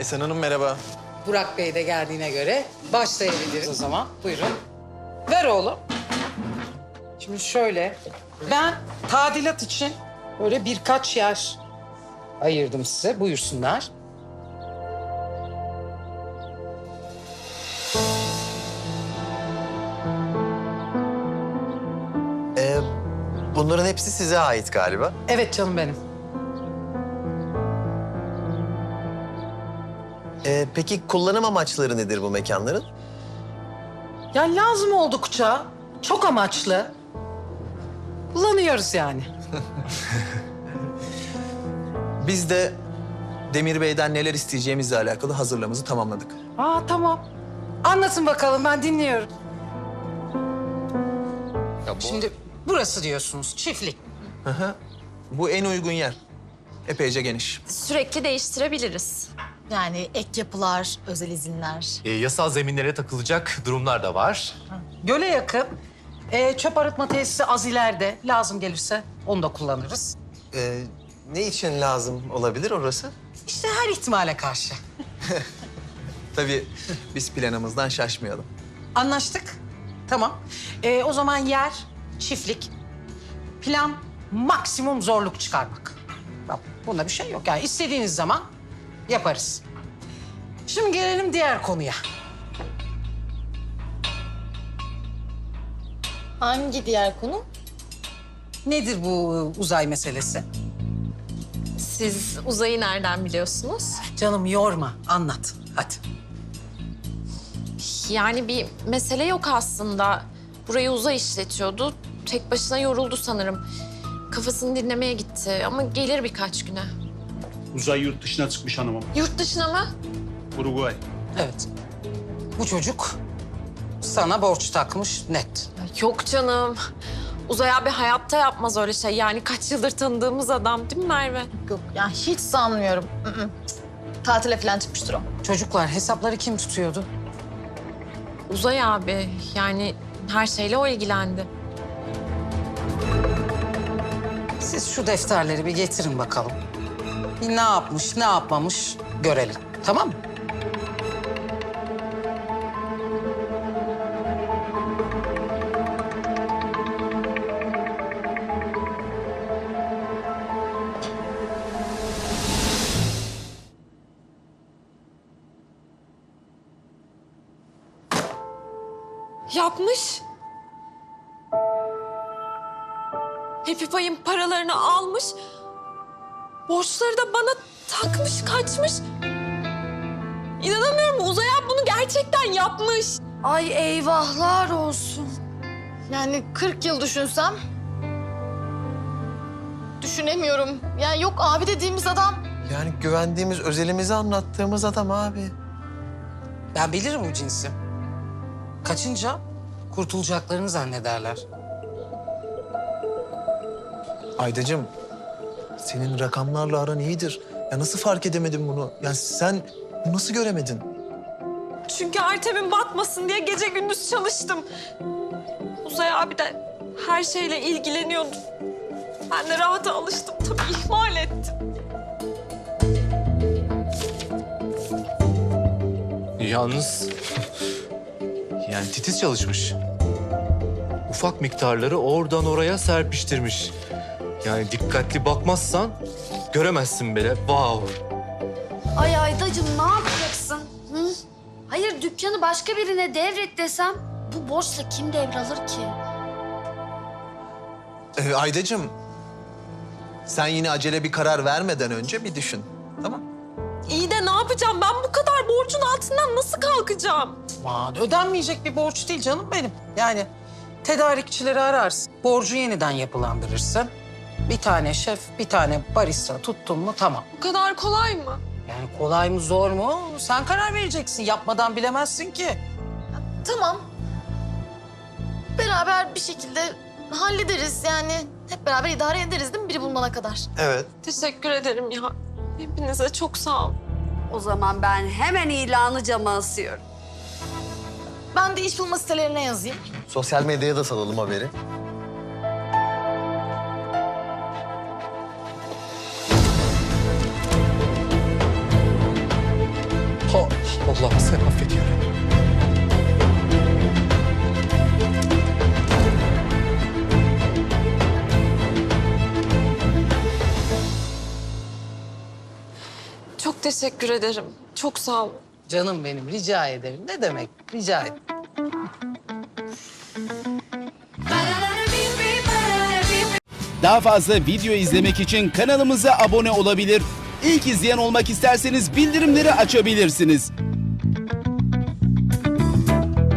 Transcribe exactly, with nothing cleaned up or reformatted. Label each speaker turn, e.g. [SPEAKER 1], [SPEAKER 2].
[SPEAKER 1] Esen Hanım merhaba.
[SPEAKER 2] Burak Bey de geldiğine göre başlayabiliriz o zaman. Buyurun. Ver oğlum. Şimdi şöyle, ben tadilat için böyle birkaç yer ayırdım size. Buyursunlar.
[SPEAKER 1] Ee, bunların hepsi size ait galiba.
[SPEAKER 2] Evet canım benim.
[SPEAKER 1] Ee, peki kullanım amaçları nedir bu mekanların?
[SPEAKER 2] Ya lazım oldukça, çok amaçlı kullanıyoruz yani.
[SPEAKER 3] Biz de Demir Bey'den neler isteyeceğimizle alakalı hazırlığımızı tamamladık.
[SPEAKER 2] Aa tamam. Anlatın bakalım, ben dinliyorum.
[SPEAKER 3] Ya bu...
[SPEAKER 2] Şimdi burası diyorsunuz, çiftlik.
[SPEAKER 3] Hı hı. Bu en uygun yer. Epeyce geniş.
[SPEAKER 4] Sürekli değiştirebiliriz.
[SPEAKER 5] Yani ek yapılar, özel izinler.
[SPEAKER 6] E, yasal zeminlere takılacak durumlar da var.
[SPEAKER 2] Göle yakın. Ee, çöp arıtma tesisi az ileride. Lazım gelirse onu da kullanırız.
[SPEAKER 1] Ee, ne için lazım olabilir orası?
[SPEAKER 2] İşte her ihtimale karşı.
[SPEAKER 3] Tabii biz planımızdan şaşmayalım.
[SPEAKER 2] Anlaştık. Tamam. Ee, o zaman yer, çiftlik. Plan maksimum zorluk çıkarmak. Bak, bunda bir şey yok. Yani istediğiniz zaman yaparız. Şimdi gelelim diğer konuya.
[SPEAKER 5] Hangi diğer konu?
[SPEAKER 2] Nedir bu uzay meselesi?
[SPEAKER 4] Siz uzayı nereden biliyorsunuz?
[SPEAKER 2] Canım yorma, anlat. Hadi.
[SPEAKER 4] Yani bir mesele yok aslında. Burayı uzay işletiyordu. Tek başına yoruldu sanırım. Kafasını dinlemeye gitti ama gelir birkaç güne.
[SPEAKER 7] Uzay yurt dışına çıkmış hanımım.
[SPEAKER 4] Yurt dışına mı?
[SPEAKER 7] Uruguay.
[SPEAKER 2] Evet. Bu çocuk sana borç takmış net.
[SPEAKER 4] Yok canım. Uzay abi hayatta yapmaz öyle şey. Yani kaç yıldır tanıdığımız adam değil mi Merve?
[SPEAKER 5] Yok ya hiç sanmıyorum. Hı hı. Cık. Tatile falan çıkmıştır o.
[SPEAKER 2] Çocuklar hesapları kim tutuyordu?
[SPEAKER 4] Uzay abi yani her şeyle o ilgilendi.
[SPEAKER 2] Siz şu defterleri bir getirin bakalım. Bir ne yapmış, ne yapmamış görelim. Tamam mı?
[SPEAKER 4] Yapmış. Happy Pie'in paralarını almış. Borçları da bana takmış, kaçmış. İnanamıyorum, Uzay abi bunu gerçekten yapmış.
[SPEAKER 5] Ay eyvahlar olsun. Yani kırk yıl düşünsem... Düşünemiyorum. Yani yok abi dediğimiz adam.
[SPEAKER 1] Yani güvendiğimiz, özelimizi anlattığımız adam abi.
[SPEAKER 2] Ben bilirim bu cinsi. Kaçınca kurtulacaklarını zannederler.
[SPEAKER 3] Aydacığım, senin rakamlarla aran iyidir. Ya nasıl fark edemedin bunu? Ya sen bunu nasıl göremedin?
[SPEAKER 4] Çünkü Artem'in batmasın diye gece gündüz çalıştım. Uzay abi de her şeyle ilgileniyordu. Ben de rahata alıştım tabii, ihmal ettim.
[SPEAKER 6] Yalnız yani titiz çalışmış. Ufak miktarları oradan oraya serpiştirmiş. Yani dikkatli bakmazsan göremezsin bile. Wow.
[SPEAKER 8] Ay Aydacığım ne yapacaksın? Hı? Hayır dükkanı başka birine devret desem bu borçla kim devralır ki?
[SPEAKER 3] Ee, Aydacığım, sen yine acele bir karar vermeden önce bir düşün. Tamam?
[SPEAKER 4] İyi de ne yapacağım? Ben bu kadar borcun altından nasıl kalkacağım?
[SPEAKER 2] Aman ödenmeyecek bir borç değil canım benim. Yani tedarikçileri ararsın, borcu yeniden yapılandırırsın. Bir tane şef, bir tane barista tuttun mu tamam.
[SPEAKER 4] Bu kadar kolay mı?
[SPEAKER 2] Yani kolay mı zor mu sen karar vereceksin. Yapmadan bilemezsin ki.
[SPEAKER 5] Tamam. Beraber bir şekilde hallederiz yani. Hep beraber idare ederiz değil mi biri bulunana kadar?
[SPEAKER 1] Evet.
[SPEAKER 4] Teşekkür ederim ya. Hepinize çok sağ ol.
[SPEAKER 9] O zaman ben hemen ilanı cama asıyorum.
[SPEAKER 5] Ben de iş bulma sitelerine yazayım.
[SPEAKER 1] Sosyal medyaya da salalım haberi.
[SPEAKER 6] Allah'ım sen affet ya.
[SPEAKER 4] Çok teşekkür ederim. Çok sağ ol.
[SPEAKER 2] Canım benim, rica ederim. Ne demek? Rica ederim.
[SPEAKER 10] Daha fazla video izlemek için kanalımıza abone olabilir. İlk izleyen olmak isterseniz bildirimleri açabilirsiniz.